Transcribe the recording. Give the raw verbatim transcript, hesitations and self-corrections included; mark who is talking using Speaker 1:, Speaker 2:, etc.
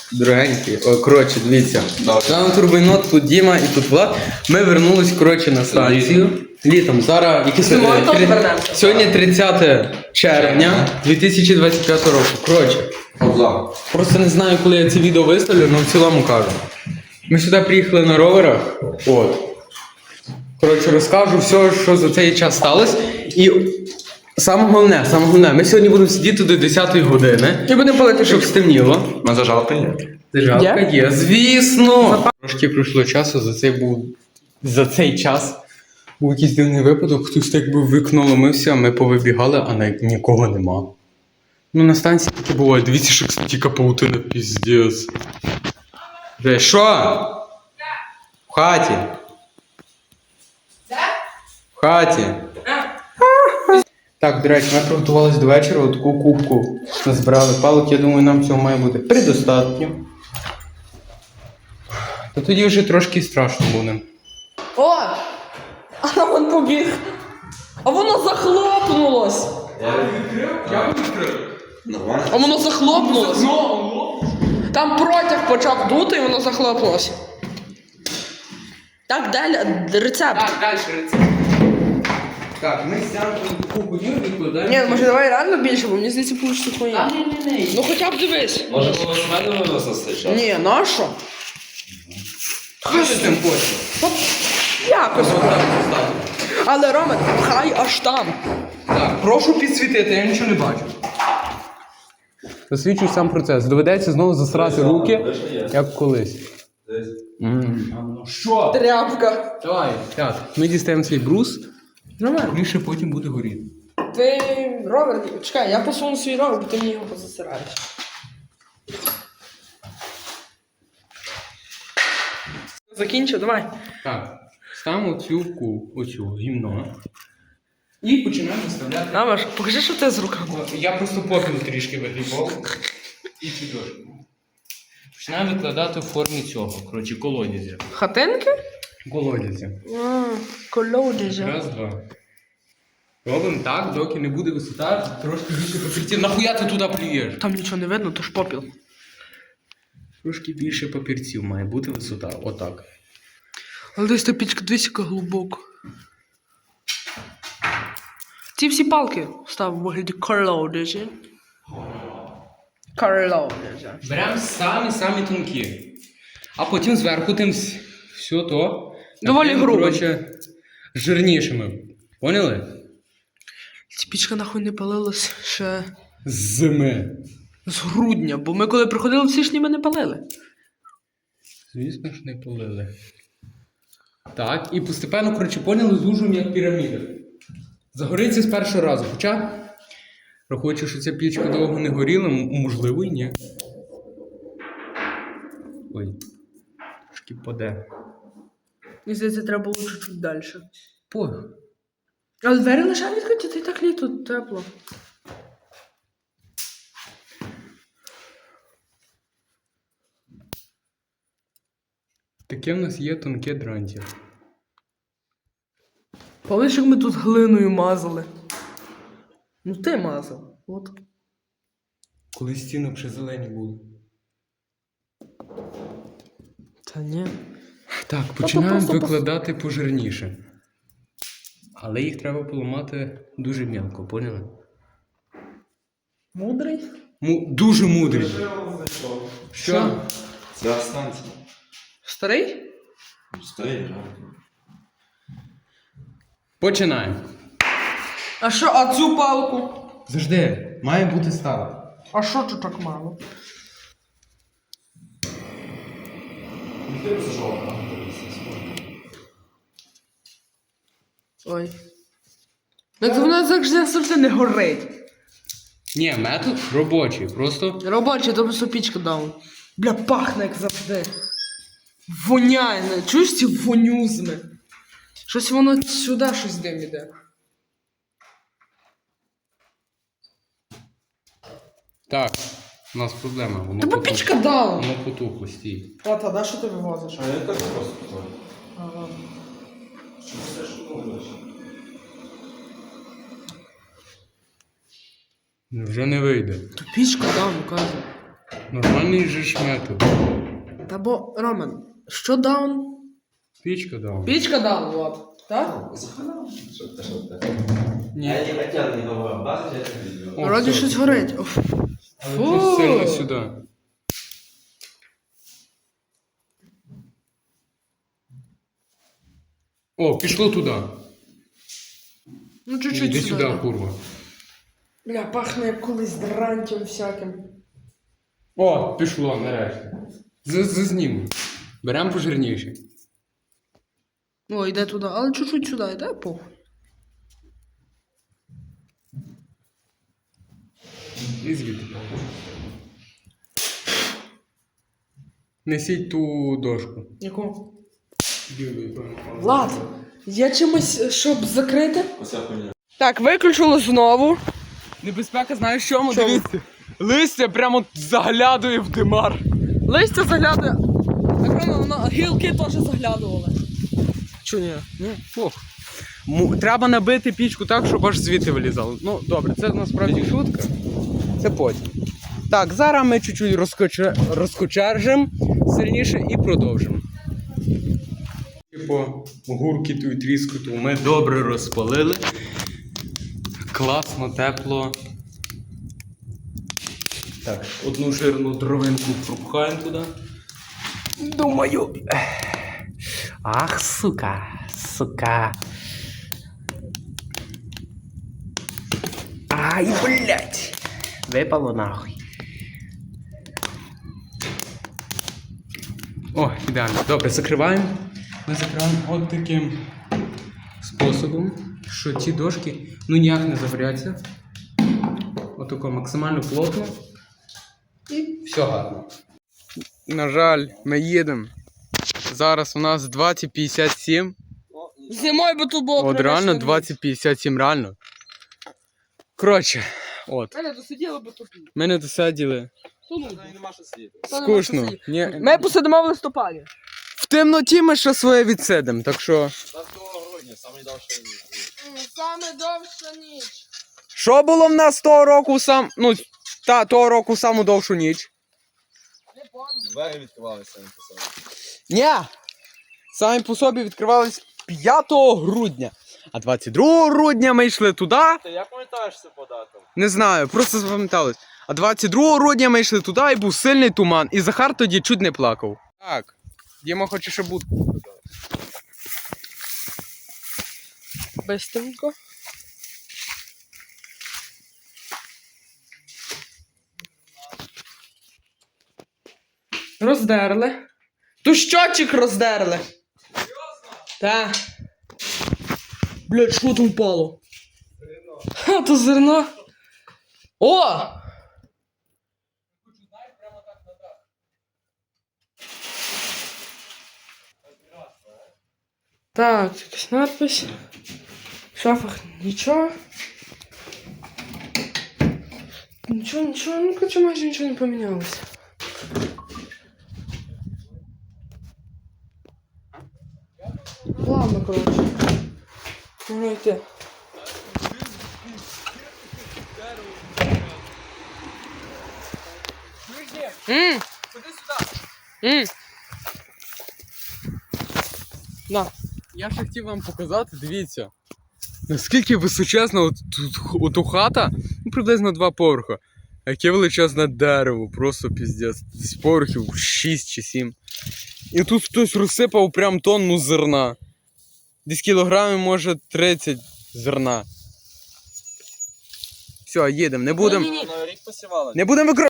Speaker 1: Дорогенькі. О, коротше, дивіться. Там Турбойнот, тут Діма і тут Влад. Ми вернулись, коротше, на станцію. Літом. Зараз, які сьогодні? Сьогодні тридцяте червня дві тисячі двадцять п'ятого року. Коротше. Просто не знаю, коли я це відео виставлю, але в цілому кажу. Ми сюди приїхали на роверах. От. Коротше, розкажу все, що за цей час сталося. І саме головне, саме головне, ми сьогодні будемо сидіти до десятої години. І будемо палити, щоб стемніло.
Speaker 2: На зажалка є.
Speaker 1: Зажалка є? є, звісно! Трошки пройшло часу, за цей був за цей час був якийсь дивний випадок, хтось так би в вікно ломився, ми повибігали, а навіть нікого нема. Ну на станції таке буває, дивіться, що стільки паутина, піздець. Вже, що? В хаті. В хаті. Так, до речі, ми приготувалися до вечора, таку кубку назбирали палок, я думаю, нам цього має бути предостатньо. Та тоді вже трошки страшно буде.
Speaker 3: О! А вон побіг. А воно захлопнулось.
Speaker 1: Я відкрив? Я відкрив.
Speaker 2: Нормально.
Speaker 3: А воно захлопнулось. Там протяг почав дути і воно захлопнулось. Так, далі рецепт.
Speaker 1: Так, далі рецепт. Так, ми сяємо таку будівлю відкладаємо.
Speaker 3: Ні, може давай реально більше, бо мені здається, получиться хуйня. Ну хоча б дивись.
Speaker 2: Може було з мене виносити час?
Speaker 3: Ні, нащо?
Speaker 1: Що ти з тим хочеш?
Speaker 3: От якось. Але, Роме, хай аж там.
Speaker 1: Так, прошу підсвітити, я нічого не бачу. Засвідчуй сам процес. Доведеться знову засрати руки, як колись. Що?
Speaker 3: Тряпка.
Speaker 1: Давай, так. Ми дістаємо цей брус,
Speaker 3: Роме,
Speaker 1: він ще потім буде горіти.
Speaker 3: ти ровер, чекай, я посуну свій ровер, бо ти мені його позасираєш. Закінчу, давай.
Speaker 1: Так, ставимо цю ку, оцю гімно. І починаємо виставляти.
Speaker 3: Намаш, покажи, що ти з руками.
Speaker 1: Я просто попіл трішки вигрібав. І чудово. Починаємо викладати в формі цього, коротше, колодязя.
Speaker 3: Хатинки?
Speaker 1: Колодязя.
Speaker 3: А, колодязя.
Speaker 1: Раз, два. Робимо так, доки не буде висота, трошки більше папірців. Нахуя ти туди плюєш?
Speaker 3: Там нічого не видно, то ж попіл.
Speaker 1: Трошки більше папірців має бути висота. Отак.
Speaker 3: Але десь та пічка десь яка глибоко. Ці всі палки став у вигляді колодязя. Колодязя.
Speaker 1: Беремо самі-самі тонкі. А потім зверху тим вс- все то.
Speaker 3: Доволі
Speaker 1: накриємо,
Speaker 3: грубо.
Speaker 1: коротше, жирнішими. Поняли?
Speaker 3: Ця пічка нахуй не палилась ще
Speaker 1: З зими.
Speaker 3: з грудня, бо ми коли приходили, всі ж ніби не палили.
Speaker 1: Звісно ж, не полили. Так, і постепенно, коротше, поняли, звужуємо як піраміда. Загориться з першого разу. Хоча, рахуючи, що ця пічка довго не горіла, м- можливо і ні. Ой, трошки паде.
Speaker 3: Мені здається, треба було чуть-чуть далі.
Speaker 1: Пох.
Speaker 3: Але двері лише відкриті, та й так літо тепло.
Speaker 1: Таке в нас є тонке дрантя.
Speaker 3: Пам'ятаєш, як ми тут глиною мазали? Ну ти мазав. От.
Speaker 1: Коли стінок ще зелені були.
Speaker 3: Та ні.
Speaker 1: Так, починаємо
Speaker 3: просто пос-
Speaker 1: викладати пожирніше. Але їх треба поламати дуже м'яко, поняли?
Speaker 3: Мудрий?
Speaker 1: Му- дуже мудрі. Що?
Speaker 2: Це станція.
Speaker 3: Старий?
Speaker 2: Стоїть,
Speaker 1: Починаємо.
Speaker 3: А що, а цю палку?
Speaker 1: Завжди, має бути стало.
Speaker 3: А що тут так мало? Ой. Так воно завжди завжди не горить.
Speaker 1: Ні, метод робочий, просто
Speaker 3: Робочий, то просто пічка дав. Бля, пахне як завжди. Воняє, не? Чуєш ці вонюзми? Щось воно сюди щось дим іде.
Speaker 1: так, у нас проблема. Воно
Speaker 3: Та бо
Speaker 1: потухло.
Speaker 3: пічка дала.
Speaker 1: Воно потухло, стій.
Speaker 3: А та, да, що ти вивозиш?
Speaker 2: А я так просто такой.
Speaker 3: Ага.
Speaker 2: Що все шумно?
Speaker 1: Вже не вийде.
Speaker 3: То пічка дав, ну кажу.
Speaker 1: Нормальний же ж метод.
Speaker 3: Та бо, Роман, що даун?
Speaker 1: Пічка дав.
Speaker 3: Пічка даун, Влад. Так?
Speaker 2: Що ти, що ти?
Speaker 1: Ні.
Speaker 2: Я не хотів не говорити, бачиш, я тобі відео.
Speaker 1: О,
Speaker 3: Вроді
Speaker 1: все.
Speaker 3: щось горить. Оф.
Speaker 1: Але
Speaker 3: Фу.
Speaker 1: це сильно сюди. О, пішло туди.
Speaker 3: Ну, чуть-чуть
Speaker 1: Іди
Speaker 3: сюди.
Speaker 1: сюди, курва.
Speaker 3: Бля, пахне як колись дрантям всяким.
Speaker 1: О, пішло, нарешті. Зазніму. Беремо пожирніше.
Speaker 3: О, йде туди, але чуть-чуть сюди, йде похуй.
Speaker 1: І звідти. Несіть ту дошку.
Speaker 3: Яку?
Speaker 1: Білий, певно.
Speaker 3: Влад, є чимось, щоб закрити?
Speaker 2: Оця хуйня.
Speaker 3: Так, виключили знову.
Speaker 1: Небезпека, знаєш в чому?
Speaker 3: Чому?
Speaker 1: Дивіться. Листя прямо заглядує в димар.
Speaker 3: Листя заглядує. Так воно, воно гілки теж заглядували.
Speaker 1: Чо ні? Ну, ох. Му- Треба набити пічку так, щоб аж звідти вилізало. Ну, добре, це насправді шутка. Це потім. Так, зараз ми чуть-чуть розкоче... розкочержимо сильніше і продовжимо. По гуркіту і тріскоту ми добре розпалили. Класно, тепло. Так, одну жирну дровинку пропхаємо туди. Думаю. Ах, сука, сука. Ай, блядь. Випало нахуй. О, ідеально. Добре, закриваємо. Ми закриваємо от таким способом, що ці дошки ну ніяк не загоряться. Отако максимально плотно. І все гарно. На жаль, ми їдемо. Зараз у нас двадцять п'ятдесят сім.
Speaker 3: Зимою би тут було
Speaker 1: От реально двадцять п'ятдесят сім, реально. Коротше, от.
Speaker 3: Мене досиділи би тут.
Speaker 1: Ми не досиділи.
Speaker 2: Нема що сидіти.
Speaker 1: Скучно. Ні.
Speaker 3: Ми посидимо в листопаді.
Speaker 1: В темноті ми ще своє відсидимо, так що.
Speaker 2: двадцятого грудня, саме довше ніж.
Speaker 3: Саме довша ніч.
Speaker 1: Що було в нас того року сам. Ну, та, того року саму довшу ніч?
Speaker 3: Не помню.
Speaker 2: Двері відкривалися на посаді.
Speaker 1: Ні! Самі по собі відкривались п'ятого грудня. А двадцять другого грудня ми йшли туди.
Speaker 2: Ти як пам'ятаєш це по датам?
Speaker 1: Не знаю, просто запам'яталось. А двадцять другого грудня ми йшли туди і був сильний туман. І Захар тоді чуть не плакав. Так. Діма хоче ще будку показати.
Speaker 3: Бистренько. Роздерли. Ту щотчик роздерли. Серйозно? Так. Блядь, що там впало? Зерно. Ха, то зерно. О! Так, якась надпись. В шафах нічого. Нічого, нічого, ну короче, майже нічого не помінялося. Ладно, коротше. Можна йти. Ммм! Ходи сюди! Ммм! На.
Speaker 1: Я ще хотів вам показати, дивіться. Наскільки височезна от, тут оту хата, ну приблизно два поверха. А яке величезне дерево, просто піздець. Десь поверхів шість чи сім. І тут хтось розсипав прям тонну зерна. Десь кілограмів, може, тридцять зерна. Все, їдемо, не будемо.
Speaker 3: Ні-ні-ні.
Speaker 2: На рік посівали.
Speaker 1: Не будемо використовувати.